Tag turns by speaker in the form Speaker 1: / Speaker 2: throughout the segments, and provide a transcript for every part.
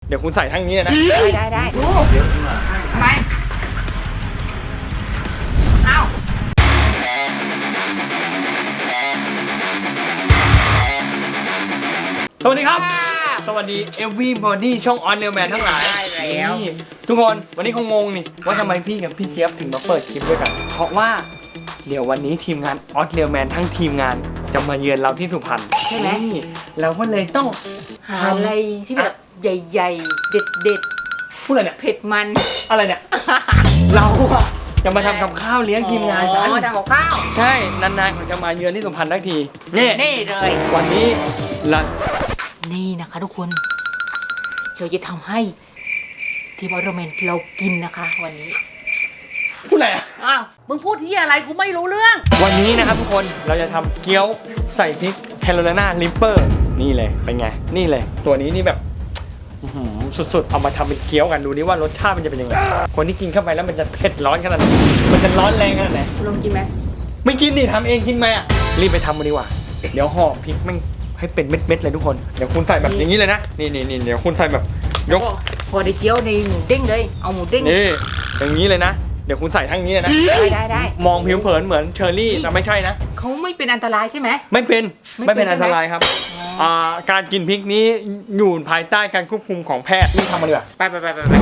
Speaker 1: เดี๋ยวคุณใส่ทั้งนี้เลยนะ
Speaker 2: ได้ทำไมเอา
Speaker 1: สวัสดีครับสวัสดี everybody ช่องออนเรียลแมนทั้งหลายนี่ทุกคนวันนี้คงงงนี่ว่าทำไมพี่กับพี่เจี๊ยบถึงมาเปิดคลิปด้วยกันเพราะว่าเดี๋ยววันนี้ทีมงานออสเรียลแมนทั้งทีมงานจะมาเยือนเราที่สุพรรณ
Speaker 2: ใช่ไหม
Speaker 1: เราก็เลยต้อง
Speaker 2: หาอะไรที่แบบใหญ่ๆเด็ด
Speaker 1: พูดอะไรเนี่ย
Speaker 2: เผ็ดมัน
Speaker 1: อะไรเนี่ย เราอะจะมาทำกับข้าวเลี้ยงทีมงานกัน
Speaker 2: ทำกับข้าว
Speaker 1: ใช่นานๆเขาจะมาเยือนที่สุพรรณทักทีนี่
Speaker 2: เลย
Speaker 1: วันนี้
Speaker 2: นี่นะคะทุกคนเราจะทำให้ทีมออร์แมนเรากินนะคะวันนี้
Speaker 1: พูดอะไรอ่ะ
Speaker 2: อ้าว
Speaker 3: มึงพูดที่อะไรกูไม่รู้เรื่อง
Speaker 1: วันนี้นะครับทุกคนเราจะทำเกี๊ยวใส่พริกแคโรไลนาลิปเปอร์นี่เลยเป็นไงนี่เลยตัวนี้นี่แบบสุดๆเอามาทำเป็นเกี๊ยวกันดูนี่ว่ารสชาติมันจะเป็นยังไงคนที่กินเข้าไปแล้วมันจะเผ็ดร้อนขนาดไหนมันจะร้อนแรงขนาดไหน
Speaker 2: ลองกินไหม
Speaker 1: ไม่กินดิทำเองกินไหมอ่ะรีบไปทำมาดีกว่าเดี๋ยวห่อพริกมันให้เป็นเม็ดๆเลยทุกคนเดี๋ยวคุณใส่แบบอย่างนี้เลยนะนี่เดี๋ยวคุณใส่แบบยก
Speaker 2: พอได้เกี๊ยวในหมูเด้งเลยเอาหมูเด้ง
Speaker 1: นี่อย่างนี้เลยนะเดี๋ยวคุณใส่ทั้งนี้เลยนะ
Speaker 2: ได้
Speaker 1: มองผิวเผินเหมือนเชอร์รี่แต่ไม่ใช่นะ
Speaker 2: เขาไม่เป็นอันตรายใช่ไหม
Speaker 1: ไม่เป็นอันตรายครับการกินพริกนี้อยู่ภายใต้การควบคุมของแพทย์นี่ทำมาเลย
Speaker 2: ไป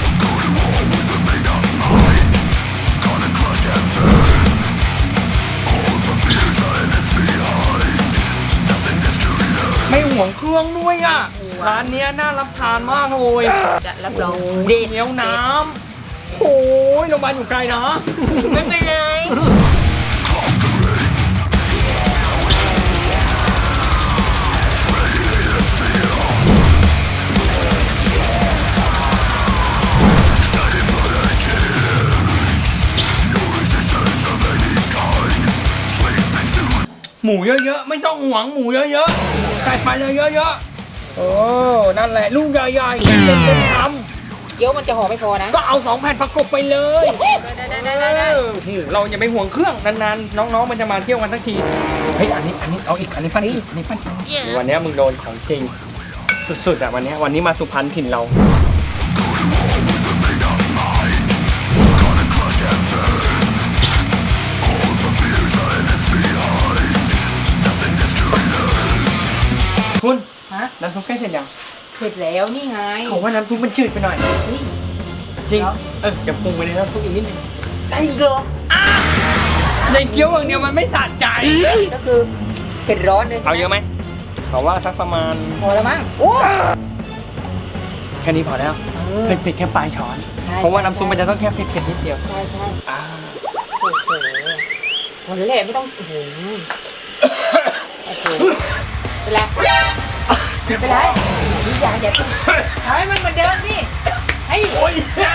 Speaker 1: ไม่ห่วงเครื่องด้วยอ่ะร้านนี้น่ารับทานมากเลย
Speaker 2: จะรับรอง
Speaker 1: เดี๋ยวน้ำโอ้ยโรงพยาบาลอยู่ไกลนะ
Speaker 2: ไม่เป็นไร
Speaker 1: หมูเยอะๆไม่ต้องห่วงหมูเยอะๆใส่ไปเลยเยอะๆโอ้นั่นแหละลูกใหญ่ๆเป็นทำ
Speaker 2: เกี๊ยวมันจะห่อไม่พอนะ
Speaker 1: ก็เอา2 แผ่นประกบไปเลยได้เราอย่าไปห่วงเครื่องนานๆน้องๆมันจะมาเที่ยวกันสักทีเฮ้ยอันนี้เอาอีกอันนี้ปั้นวันนี้มึงโดนของจริงสุดๆอ่ะวันนี้มาสุพรรณถิ่นเราคุณน้ำซุปใกล้เสร็จยัง
Speaker 2: เสร็จแล้วนี่ไง
Speaker 1: เขาว่าน้ำซุปมันจืดไปหน่อยจริงอย่าปรุงไปเลยน้ำซุปอีกนิดนึง
Speaker 2: ได้อีกเหรอ
Speaker 1: ในเกี๊ยวอย่างเดียวมันไม่สะใจ
Speaker 2: ก็คือเผ็ดร้อนเลย
Speaker 1: เอาเยอะไหมเขาว่าสักประมาณ
Speaker 2: พอแล้วมั้งโอ้
Speaker 1: แค่นี้พอแล้วเผ็ดแค่ปลายช้อนเพราะว่าน้ำซุปมันจะต้องแค่เผ็ดนิดเดียว
Speaker 2: ใช่โอ้โหวันแรกไม่ต้องโอ้โหเป็นไรอย่าให้มันเหมือนเดิมดิให้
Speaker 1: โอ้ย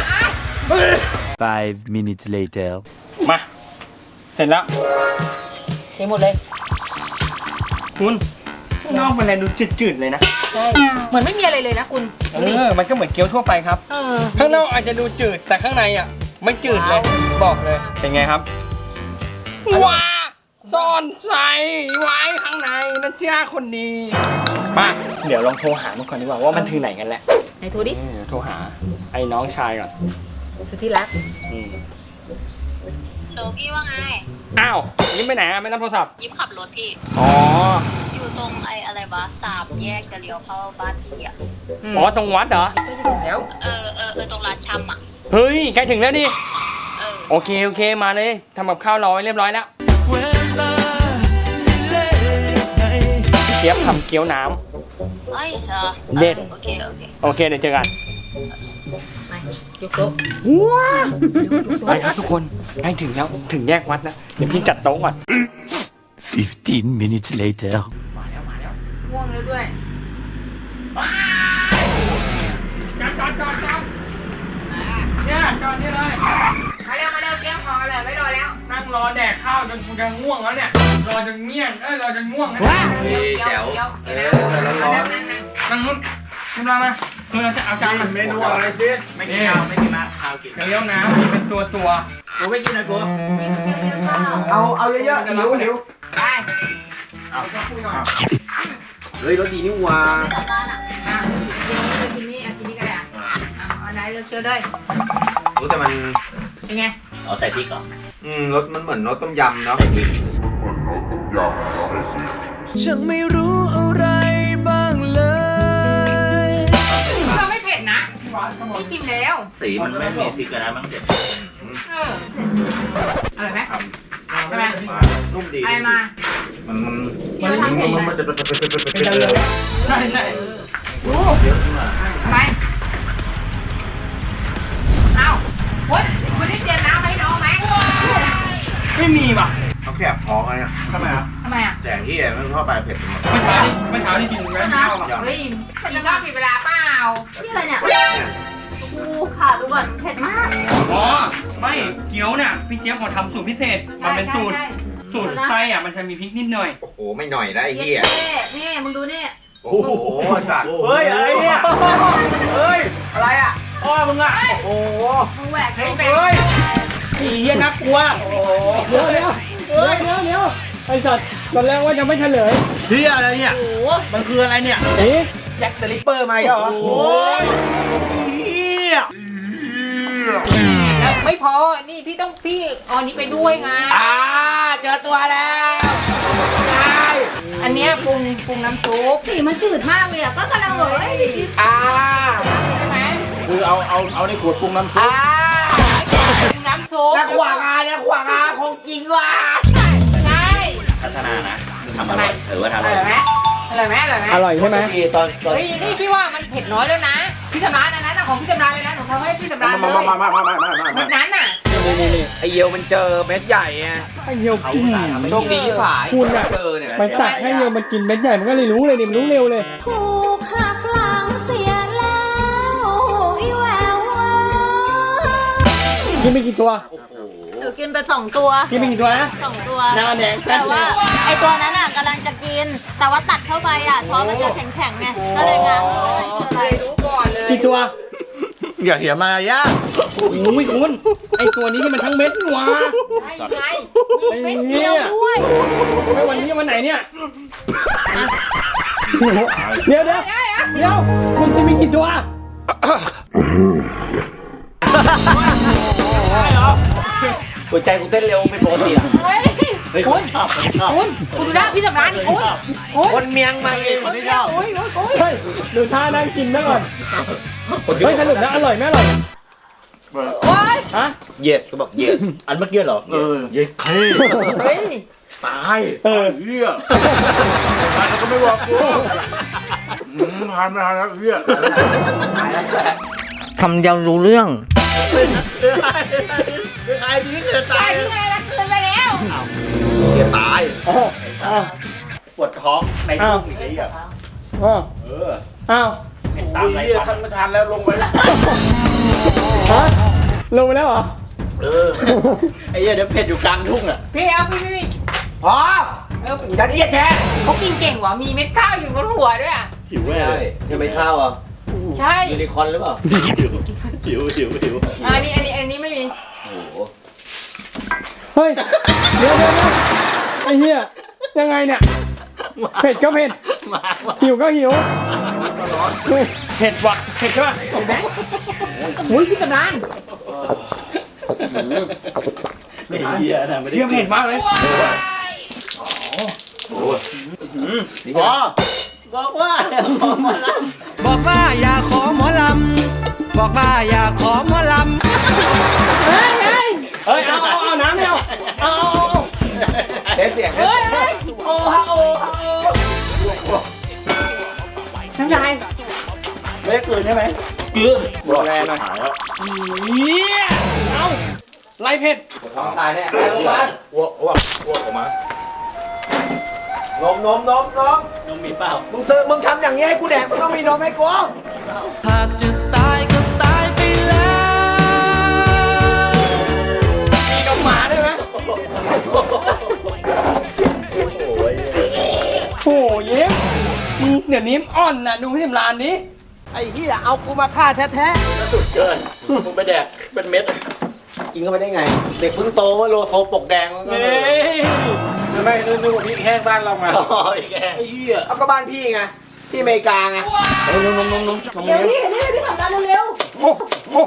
Speaker 4: 5 minutes later
Speaker 1: มาเสร็จแล้ว
Speaker 2: เทหมดเลย
Speaker 1: คุณนอกมันอะไรดูจืดๆเลยนะ
Speaker 2: ใช่เหมือนไม่มีอะไรเลยนะคุณ
Speaker 1: มันก็เหมือนเกี๊ยวทั่วไปครับข้างนอกอาจจะดูจืดแต่ข้างในอ่ะไม่จืดเลยบอกเลยเป็นไงครับว้าซ่อนใส่ไว้ข้างในนะเจ้าคนดีมาเดี๋ยวลองโทรหามันก่อนดีกว่าว่ามันถึงไหนกันแล้ว
Speaker 2: ไหนโทรดิ
Speaker 1: เดี๋ยวโทรหาไอ้น้องชายก่อน
Speaker 2: สุดที่รัก
Speaker 5: โหลพี่ว่าไง
Speaker 1: อ้าวยิ้มไปไหนอะไม่รับโทรศัพท์
Speaker 5: ยิ้มขับรถพี่
Speaker 1: อ๋อ
Speaker 5: อยู่ตรงอะไรวะ3 แยกจะเลี้ยวเข้าบ้านพี่อ่ะ
Speaker 1: อ๋อตรงวัดเหรอ
Speaker 2: แล้ว
Speaker 5: ตรงร้านชำอ่ะ
Speaker 1: เฮ้ยใกล้ถึงแล้วดิโอเคมาเลยทำกับข้าวรอไว้เรียบร้อยแล้วเจี๊ยบทำเกี๊ยวน้ำเด็ด
Speaker 5: โอเค
Speaker 1: เดี๋ยวเจอกัน
Speaker 2: ไปยกโต๊ะ
Speaker 1: ว้าไปครับทุกคนใกล้ถึงแล้วถึงแยกวัดแล้วเดี๋ยวพี่จัดโต๊ะก่อน
Speaker 4: 15 minutes later
Speaker 1: มาแล้ว
Speaker 2: ง่วงแล้วด้วย
Speaker 1: จอดเนี่ยจอดนี่เลย
Speaker 2: มาเร็วเตรียมของเลยไม่รอแล้ว
Speaker 1: นั่งรอแดกข้าวจนกูจะง่วงแล้วเนี่ยรอจนเงี้ยงรอจนง่วงแล้ว
Speaker 2: เดี๋ยว
Speaker 1: ร้อนนั่งนู้นขึ้นมาคือเราจะเอาจานเมนูอะไรซิไม่กินข้าวไม่กินข้าวกินเลี้ยวน้ำเป็นตัวกูไม่กินนะกูเอาเยอะๆหิว
Speaker 2: ได้
Speaker 1: เอาจะคุยหน่อย
Speaker 4: เฮ้ยรถดีนี่ว่า
Speaker 2: กินนี่ก็ได้เจอได้
Speaker 6: รู้แต่มัน
Speaker 2: เป็นไง
Speaker 7: เอาใส่พริกก่อน
Speaker 6: รสมันเหมือนรสต้มยำเนาะ
Speaker 4: ฉันไม่รู้อะไรบ้างเลย
Speaker 2: เราไม่เผ็ดนะพี่ชิมแล้ว
Speaker 7: สีมันไม่มีพริกกันนะมันเจ็บ
Speaker 2: อร่อยไหมใช่ไหม
Speaker 6: นุ่มดี
Speaker 2: อะไรมา
Speaker 6: มัน
Speaker 7: มันจะเป็น
Speaker 1: ใช่ใช่
Speaker 2: ทำไมเอ้าคุณได้เตรียมน้ำให้น้องไหม
Speaker 1: ไม่มีว่ะ
Speaker 6: เขาแคบท้องอะไรเนี่ย
Speaker 1: ทำไมอ่ะ
Speaker 2: ทำไมอ่ะ
Speaker 6: แจกที่มันเข้าไปเผ็ดหมด
Speaker 1: เมื่อเช้านี่กินแม่ข้าวอ่ะ
Speaker 2: เฮ้ยคุณจะชอบผิดเวลาเปล่า
Speaker 5: นี่อะไรเนี่ยกูผ่าดูก่อนเผ็ดมาก
Speaker 1: อ๋อไม่เกี๊ยวเนี่ยพี่เจี๊ยบเขาทำสูตรพิเศษมันเป็นสูตรไส้อ่ะมันจะมีพริกนิดหน่อย
Speaker 6: โอ้โหไม่หน่อยได้ไอ้เหี้ย
Speaker 5: นี่มึงดูนี่
Speaker 6: โอ้โหสัตว์เฮ้ยอะไรเนี่ยเฮ้ยอะไรอ่ะพ่อมึงอ่ะโอ้โห
Speaker 5: มึงแหวก
Speaker 1: เฮ้ยไอ้เหี้ยน่ากลัวเดี๋ยวไอ้สัตว์ตอนแรกว่าจะไม่เฉลย
Speaker 6: เหี้ยอะไรเนี่ยมันคืออะไรเนี่ย
Speaker 1: นี่
Speaker 6: แจ็คเดอะริปเปอร์มาอีกเหรอโอ้ยเหี้ย
Speaker 2: ไม่พอ นี่พี่ต้องพี่เอาอันนี้ไปด้วยไง
Speaker 6: เจอตัวแล้ว
Speaker 2: อันเนี้ยปรุงน้ำซุป
Speaker 5: สีมันจืดมากเลยอ่ะก็กำลังบอกว่า
Speaker 2: ใช่ไหม
Speaker 7: คือเอาในขวดปรุงน้ำซุป
Speaker 2: ปรุงน้ำซุป
Speaker 6: แล้วขวางาของจริงว่ะ
Speaker 2: ใช่
Speaker 7: พัฒนานะทำอร่อยถือว่าทำอ
Speaker 2: อ
Speaker 7: ร่
Speaker 2: ร่
Speaker 7: อ
Speaker 2: อย ยไหมอร่อยไหมอร่อยไหม
Speaker 1: อร่อยใช่ไหม
Speaker 6: ตอน
Speaker 2: เฮ้ยนี่พี่ว่ามันเผ็ดน้อยแล้วนะพี่สำราญอันนั้นของพี่สำราญเลยนะหนูทำให้พี่สำราญเลยเม็ดนั้นน่ะ
Speaker 1: นี่
Speaker 6: ไอเยียวมันเจอเม็ดใหญ่ไง
Speaker 1: ไอ้เหี้ยวกิน
Speaker 6: โชคดีที่ผาย
Speaker 1: คุณอ่ะ
Speaker 6: เจอเนี่ย
Speaker 1: มันตักให้เหี้ยวมันกินเม็ดใหญ่มันก็เลยรู้เลยนี่มันรู้เร็วเลย
Speaker 5: ถูกหักหลังเสียแล้วอีแวว
Speaker 1: กินไปกี่ตัว
Speaker 5: หนูกินไป2 ตัว
Speaker 1: กินไปกี่ตัวนะ
Speaker 5: 2 ตัว
Speaker 1: หน้าแดง
Speaker 5: แต่ว่าไอตัวนั้นอ่ะกำลังจะกิน แต่ว่าตัดเข้าไปอ่ะช้อนมันจะแข็งๆไงก็เลยง้างอะไรรู้ก่อนเลย
Speaker 1: กี่ตัว
Speaker 6: อย่าเหี่ยมายะ
Speaker 1: โอ้ยคุณไอตัวนี้นี่มันทั้งเม็ดนี่หวะ
Speaker 2: ไง
Speaker 1: ไอ้
Speaker 2: เม็ด
Speaker 1: เหี้
Speaker 2: เดี
Speaker 1: ย
Speaker 2: ยวด้วย
Speaker 1: ไอ้วันนี้วันไหนเนี่ยเดี๋ยวคุณกินไปกี่ตัว
Speaker 6: หัวใจกูเต้นเร็วเป็นปกติอ่ะ
Speaker 2: เฮ้ยคุณดูหน้าพี่สำราญนี่คุณ
Speaker 6: คนเมียงมาเองคนที่ชอบ
Speaker 1: เฮ้ยดูท่านั่งกินนะก่อนเฮ้ยสรุปนะอร่อยไหมอร่อย
Speaker 2: โอ๊ย
Speaker 1: ฮะ
Speaker 6: yes ก็บอก yes
Speaker 7: อันเมื่อกี้เหรอเย้เค
Speaker 2: เฮ้ย
Speaker 7: ตาย
Speaker 1: เออ
Speaker 7: เหี้ยมันก็ไม่บอกกูทานไม่ทานแล้วเหี้ย
Speaker 3: ทำยังรู้เรื่อง
Speaker 6: ใครที่เกิด
Speaker 2: ตายที่ไงล่ะคืนไปแล้ว
Speaker 6: เกิดตาย
Speaker 7: ปวดท้องในลูกอีกไอ้เหี้ย
Speaker 1: อ้าว
Speaker 7: ตามไรท่านไม่ทานแล้วลงไปแล้ว
Speaker 1: ฮะลงไปแล้วเหรอ
Speaker 7: ไอ้เหี้ยเดี๋ยวเผ็ดอยู่กลางทุ่งอ่ะ
Speaker 2: พี่เอาพี่
Speaker 6: พอจะเรียกแทน
Speaker 2: เขากินเก่งว่ะมีเม็ดข้าวอยู่บนหัวด้วยอ่ะ
Speaker 7: หิวแม่เลย
Speaker 6: ยังไม่ข้าวอ่ะ
Speaker 2: ใช่
Speaker 6: ยูนิคอร์นหรือเปล่า
Speaker 7: หิว
Speaker 2: อันนี้ไม่มี
Speaker 6: โอ้โห
Speaker 1: เฮ้ยเดี๋ยวไอ้เหี้ยยังไงเนี่ยเผ็ดก็เผ็ดหิวก็หิวเผ็ดว่ะเผ็ดใช่ป่ะ
Speaker 2: เห็นไหมโอ้ยพี่สำราญ
Speaker 7: ไม่เหี้ยนะไม่ได้
Speaker 1: เหี้ยเผ็ดมากเลย
Speaker 7: พอ
Speaker 6: บอกว่า
Speaker 4: บอกว่าอย่าขอหมอลำ บอกว่าอย่าขอหมอลำ
Speaker 1: เฮ้ยเอาน้ำไม่เอาเอา
Speaker 6: เดี๋ยวเสียง
Speaker 2: เฮ้ย
Speaker 6: โอ้ฮะโอ้ฮะโอ้
Speaker 2: น้ำลาย
Speaker 7: ไม่ได้กลืนใช่ไหมกลืนบอกแรงหน่อย
Speaker 1: เหี้ยเอาไรเผ็ด
Speaker 6: ท้องตายแน่ไปโรงพยาบาล
Speaker 7: อ้วกออกมาน
Speaker 6: มมีเปล่ามึงทำอย่างนี้ให้กูแดกมึงต้องมีนมให้กู
Speaker 4: หากจะตายก็ตายไปแล้ว
Speaker 1: มีนมหมาได้ไหมโอ้ยยิ้มเดี๋ยวนี้อ่อนนะดูพี่สำรานนี้
Speaker 6: ไอ้เหี้ยเอากูมาฆ่าแท้
Speaker 7: สุดเกินมึงไปแดกเป็นเม็ด
Speaker 6: ๆกินเข้าไปได้ไง เด็กเพิ่งโตว่าโลโซปกแดงมันก็
Speaker 1: เฮ้ย
Speaker 7: ทำไมนึกว่าพี่แห้งบ้านเรามาไอ้เหี้ย
Speaker 6: เอาก็บ้านพี่ไงที่อเมริกาไง
Speaker 5: เดี๋ยวพี่สำราญเร็ว
Speaker 1: โอ้โห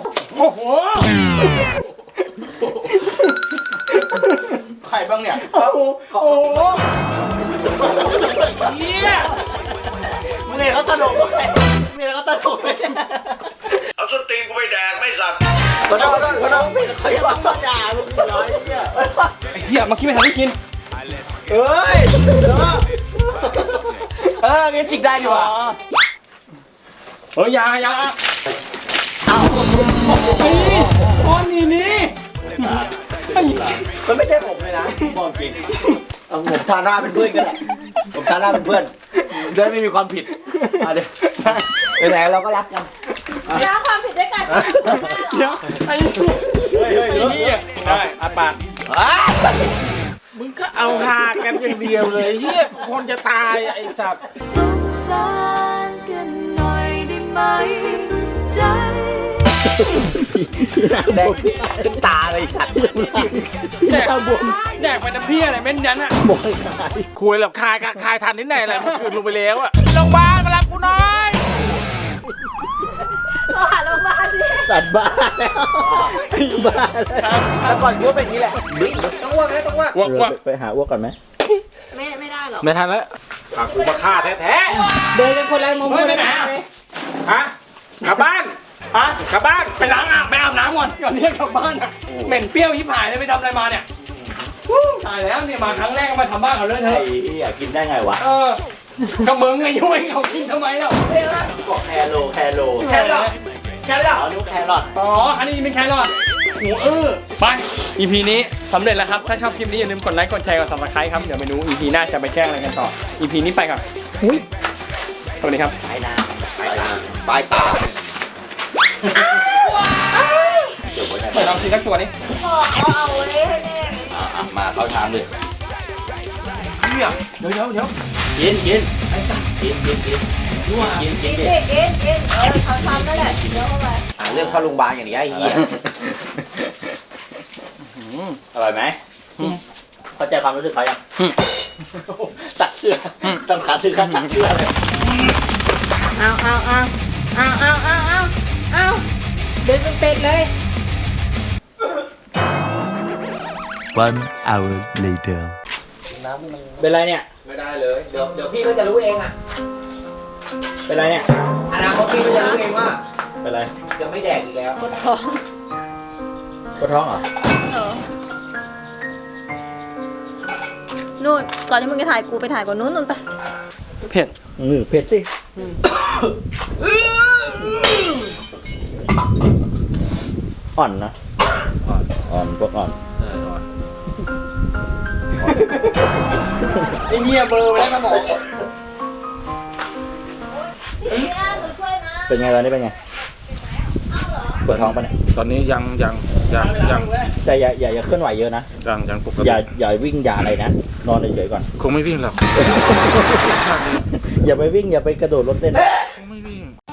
Speaker 8: เอาส้นตีนกูไปแดกไม่สัตว์
Speaker 6: ขอโทษเขาจะบอกด่ามึงน้อยเนี่ย
Speaker 1: ไอ้เหี้ยเมื่อกี้ไม่ทันได้กิน
Speaker 6: เอ้ยงั้นจิกได้ดีกว่า
Speaker 1: เฮ้ยอยาก้อนนี่
Speaker 6: มันไม่ใช่ผมเลยนะบอกจริงผมทาหน้าเป็นเพื่อนกันแหละผมทาหน้าเป็นเพื่อนได้ไม่มีความผิดเดี๋ยวไหนๆเราก็รักกัน
Speaker 5: แล้วความผิดด้วยกัน
Speaker 1: เดี๋ยวไอ้เหี้ยได้อาปาก
Speaker 7: มึงก็เอาหากันอย่างเดียวเลยเฮียคนจะตายไอ้สัตว์
Speaker 5: สงสารกันหน่อยได้ไหมใจ
Speaker 6: แดงขึ้นตาเลยสัตว์
Speaker 1: แดกบวมแดกไปน้ำพี่อะไรเม้นยันอะ
Speaker 7: คุยแล้วคายทันที่ไหนแหละมันกลืนลงไปแล้วอะโรงพยาบาลมารับกูหน่อย
Speaker 5: เราหาโรงพยาบาลดิ
Speaker 6: สัตว์บ้าแล้วบ้าแล้วก่อนกูเป็นอย่างนี้แหละ
Speaker 1: ต้องอ้วก
Speaker 6: ไปหาอ้วกก่อนไหม
Speaker 5: ไม่ได้หรอก
Speaker 7: ไม่ทันแล้วพากูมาฆ่าแท้
Speaker 3: เดินกันคนละมุม
Speaker 1: เฮ้ยไปไหนอะ
Speaker 7: ๆฮะกลับบ้าน
Speaker 1: ฮะ
Speaker 7: กลับบ้าน
Speaker 1: ไปล้างอาบน้ำก่อนเรียกกลับบ้านอะเหม็นเปรี้ยวยิบหายเลยไปทำอะไรมาเนี่ยตายแล้วเนี่ยมาครั้งแรกก็มาทำบ้านเขาเลยเถ
Speaker 6: ไอ้
Speaker 1: อะ
Speaker 6: อยากกินได้ไงวะ
Speaker 1: ก็มึงไงยุ่งเขากินทำไมเล่า
Speaker 6: บอกแครอทแครอทอ๋อนุ๊กแครอท
Speaker 1: อ๋ออันนี้เป็นแครอทหูไป EP นี้สำเร็จแล้วครับถ้าชอบคลิปนี้อย่าลืมกดไลค์กดแชร์กด Subscribe ครับเดี๋ยวไปดู EP หน้าจะไปแกล้งอะไรกันต่อ EP นี้ไปก่อนสวัสดีครับ
Speaker 6: ปลายนาปลายตา
Speaker 1: เปิดลองกินสักตัวนี้
Speaker 5: บอกเอาไว้ให้แม่
Speaker 6: มาเข้าชามเลย
Speaker 1: เดี๋ยว
Speaker 6: กินกินกินกิน
Speaker 5: กินดิกินเขาทำนั่นแหละเดี๋ยวเข้าไป
Speaker 6: เรื่องเข้าโรงพยาบาลอย่างนี้ไอ้เหี้ยอร่อยไหมเข้าใจความรู้สึกเขายังตัดเสื้อต้องขาซื้อขาตัดเสื้อเลย
Speaker 2: เอาเดินเป็นเป็ดเลย
Speaker 9: One hour later.
Speaker 6: เป็นไรเนี่ยไม่ได้เลยเดี๋ยวพี่ก็จะรู้เองอ่ะเป็นไรเนี่ยอนาคตพี่ก็จะรู้เองว่าเป็นไรจะไม่แดกอีกแล้วปวดท้องปวดท้องเหรอ
Speaker 5: นู่นก่อนที่มึงจะถ่ายกูไปถ่ายก่อนนู้นไป
Speaker 1: เผ็ด
Speaker 6: เผ็ดสิอ่อนนะอ่อนพวกอ่อน
Speaker 1: ไอ้เหี้ยเบอร์ไปแล้วครับผม
Speaker 6: เป็นไงตอนนี้เป็นไงปวดท้องปะเนี่ย
Speaker 7: ตอนนี้ยัง
Speaker 6: แต่อย่าเคลื่อนไหวเยอะนะ
Speaker 7: ยังปกติ
Speaker 6: อย่าวิ่งอย่าอะไรนะนอนเฉยๆก่อน
Speaker 7: คงไม่วิ่งหรอก
Speaker 6: อย่าไปวิ่งอย่าไปกระโดดรถเต้น
Speaker 7: คงไม่วิ่ง